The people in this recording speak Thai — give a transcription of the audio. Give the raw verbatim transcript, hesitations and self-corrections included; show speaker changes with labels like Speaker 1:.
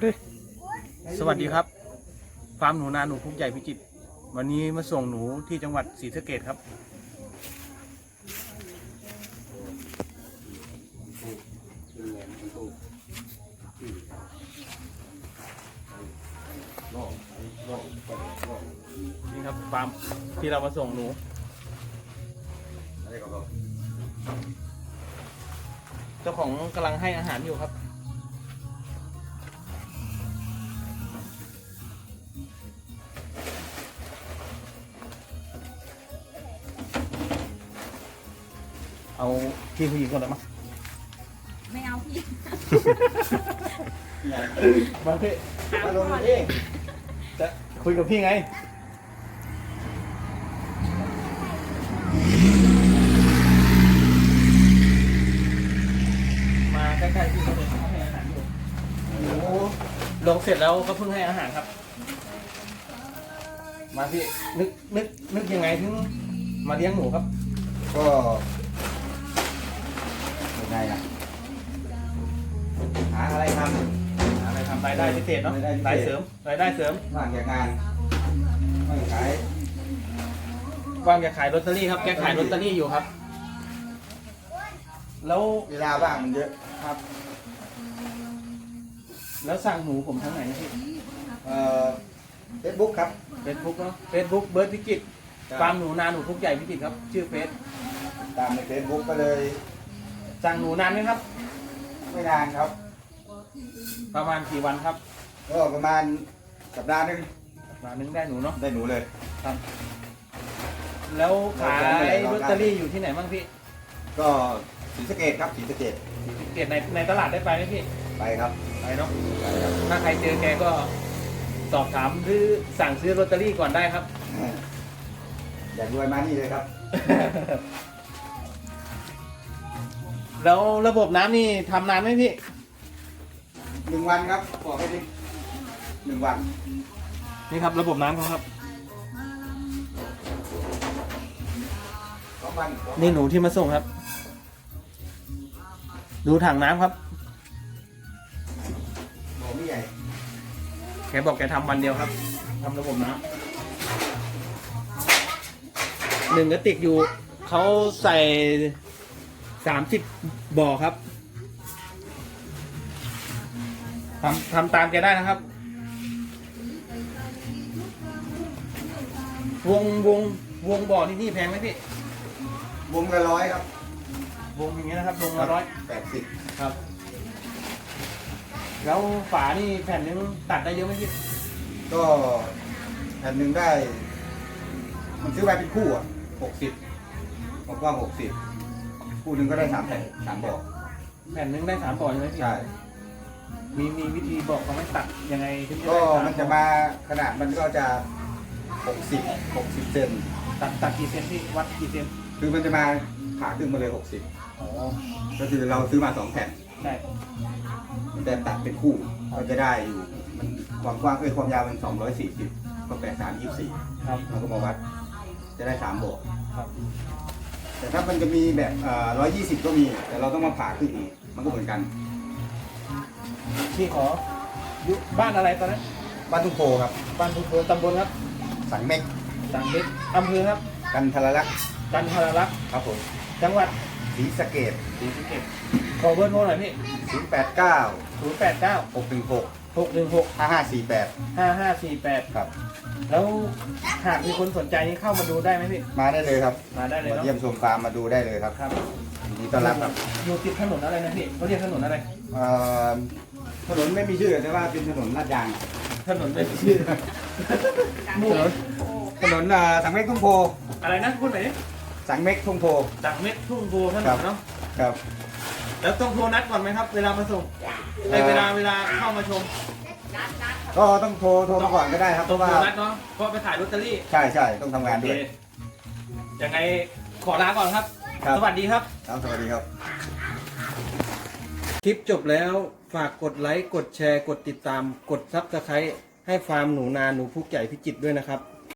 Speaker 1: สวัสดีครับฟาร์มหนูนาหนูพุกใหญ่พิจิตรวันนี้มาส่งหนูที่จังหวัดศรีสะเกษครับนี่ครับฟาร์มที่เรามาส่งหนูเจ้าของกำลังให้อาหารอยู่ครับเอาพี่ผู้หญิงก่อนได้ไหม
Speaker 2: ไม่เอาพี่
Speaker 1: มาพี่มาลงพี่จะคุยกับพี่ไงมาใกล้ๆพี่เขาเลยเขาให้อาหารอยู่หนูลงเสร็จแล้วก็เพิ่งให้อาหารครับมาพี่นึกนึกนึกยังไงถึงมาเลี้ยงหนูครับ
Speaker 3: ก็ยังไงอ่ะหาอะไรทำ
Speaker 1: อะไรทำรายได้พิเศษเนาะ
Speaker 3: รายได้พิเศษ
Speaker 1: รายเสริมรายได้เสริม
Speaker 3: ว่างจากงานไม่ขาย
Speaker 1: ว่างจะขายลอตเตอรี่ครับแกขายลอตเตอรี่อยู่ครับแล้ว
Speaker 3: เวลาว่างมันเยอะ
Speaker 1: ครับ แล้วสั่งหนูผมทางไหนนะพี่
Speaker 3: เอ่อเฟซบุ๊กครับ
Speaker 1: เฟซบุ๊กเนาะเฟซบุ๊กเบิร์ดพิจิตรฟาร์มหนูนาหนูพุกใหญ่พิจิตรครับชื่อเฟซ
Speaker 3: ตามในเฟซบุ๊กก็เลย
Speaker 1: สั่งหนูนานไหมครับ
Speaker 3: ไม่นานครับ
Speaker 1: ประมาณกี่วันครับ
Speaker 3: ก็ประมาณสัปดาห์หนึง
Speaker 1: มานึงได้หนูเนาะ
Speaker 3: ได้หนูเลย
Speaker 1: ครับ แล้วขายลอตเตอรี่อยู่ที่ไหนบ้างพี่
Speaker 3: ก็ศรีสะเกษครับศรีสะเกษ
Speaker 1: เกียรติในในตลาดได้ไปไหมพี่
Speaker 3: ไปครับ
Speaker 1: ไปเนาะ
Speaker 3: ไปครับ
Speaker 1: ถ้าใครเจอแกก็สอบถามหรือสั่งซื้อลอตเตอรี่ก่อนได้ครับ
Speaker 3: อยากรวยมานี่เลยครับ
Speaker 1: แล้วระบบน้ำนี่ทำนานไหมพี่
Speaker 3: หนึ่งวันครับบอกให้ดิหนึ่งวัน
Speaker 1: นี่ครับระบบน้ำเขาครับ
Speaker 3: สองวัน
Speaker 1: นี่หนูที่มาส่งครับ ดูถังน้ำครับ
Speaker 3: บอกไม่ใหญ่
Speaker 1: แกบอกแกทำวันเดียวครับทำระบบน้ำหนึ่งกระติกอยู่เขาใส่สามสิบบ่อครับทำทำตามแกได้นะครับ วงวงวงบ่อที่นี่แพงไหมพี่
Speaker 3: วงละร้อยครับ
Speaker 1: วงอย่างเงี้ยนะครับวงละร้อย
Speaker 3: แปดสิบ
Speaker 1: ครับ แล้วฝานี่แผ่นนึงตัดได้เยอะไหมพี่
Speaker 3: ก็แผ่นหนึ่งได้ มันซื้อไปเป็นคู่อ่ะหกสิบผมว่าหกสิบคู่หนึ่งก็ได้สามแผ่นสามบอก
Speaker 1: แผ่นนึงได้สามบ่อใช่ไหมพี่
Speaker 3: ใช่
Speaker 1: มีมีวิธีบอกเขาไหม่ตัดยังไงถึงจะ
Speaker 3: ก็
Speaker 1: ได้สา
Speaker 3: มันจะมาขนาดมันก็จะหกสิบหกสิบเซน
Speaker 1: ตัดตัดกี่เซนพี่วัดกี่เซน
Speaker 3: คือมันจะมาผ่าครึ่งมาเลยหกสิบ
Speaker 1: อ๋อ
Speaker 3: ก็คือเราซื้อมาสองแผ่น
Speaker 1: ได้
Speaker 3: มันจะตัดเป็นคู่ก็จะได้อยู่มันความกว้างเอ้ยความยาวมันสองร้อยสี่สิบก็แปดสามยี่สี่
Speaker 1: ครับ
Speaker 3: เราก็มาวัด จะได้สามบอก
Speaker 1: ครับ
Speaker 3: แต่ถ้ามันจะมีแบบร้อยยี่สิบก็มี แต่เราต้องมาผ่าขึ้นอีก มันก็เหมือนกัน
Speaker 1: พี่ขออยู่บ้านอะไรตอนนั้น
Speaker 3: บ้านทุ่งโพครับ
Speaker 1: บ้านทุกเบอร์ตำบลครับ
Speaker 3: สังเม็ก
Speaker 1: สังเล็กอำเภอครับ
Speaker 3: กันทรลักษณ์
Speaker 1: กันทรลักษณ์
Speaker 3: ครับผม
Speaker 1: จังหวัด
Speaker 3: ศรีสะเกษ
Speaker 1: ศรีสะเกษขอเบอร์โทรหน่อยพี่
Speaker 3: ศูนย์แปดเก้า
Speaker 1: ศูนย์แปดเก้า
Speaker 3: หกหนึ่งหก
Speaker 1: หกหนึ่งหก
Speaker 3: ห้าห้าสี่แปด
Speaker 1: ห้าห้าสี่แปด
Speaker 3: ครับ
Speaker 1: แล้วหากมีคนสนใจนี่เข้ามาดูได้ไหมพี่
Speaker 3: มาได้เลยครับ
Speaker 1: มาได้เลย
Speaker 3: มา
Speaker 1: เนาะ
Speaker 3: เยี่ยมชมฟาร์มมาดูได้เลยครับ
Speaker 1: ครับ
Speaker 3: ยินดีต้อนรับครับ
Speaker 1: อยู่ติดถนนอะไรนะพี่เขาเรียกถนนอะไร
Speaker 3: เอ่อถนนไม่มีชื่อแต่ว่าเป็นถนนลาดยาง
Speaker 1: ถนนไม่มีชื่อหมู่
Speaker 3: ถนนเอ่อสังเม็กทุ่งโพ
Speaker 1: อะไรนะพูดหน่อยดิ
Speaker 3: สังเม็กทุ่งโพ
Speaker 1: จากเม็ดทุ่งโพถน
Speaker 3: ครั
Speaker 1: น
Speaker 3: บ
Speaker 1: เนาะ
Speaker 3: ครับ
Speaker 1: แล้วต้องโทรนัดก่อนไหมครับ เวลามาส่งในเวลาเวลาเข้ามาชม
Speaker 3: ก็ต้องโทรโทรมาก่อนก็ได้ครับเพ
Speaker 1: ต้อง
Speaker 3: ราะ
Speaker 1: โท
Speaker 3: ว่าร
Speaker 1: นัดเนาะเพราะไปถ่ายลอตเตอรี่
Speaker 3: ใช่ใช่ต้องทำงานด้วย
Speaker 1: โอเคยังไงขอลาก่อนครับ
Speaker 3: ครับ
Speaker 1: สวัสดีครับ
Speaker 3: ครับสวัสดีครับ
Speaker 1: คลิปจบแล้วฝากกดไลค์ กดแชร์ กดติดตาม กดซับสไครต์ให้ฟาร์มหนูนาหนูพุกใหญ่พิจิตรด้วยนะครับ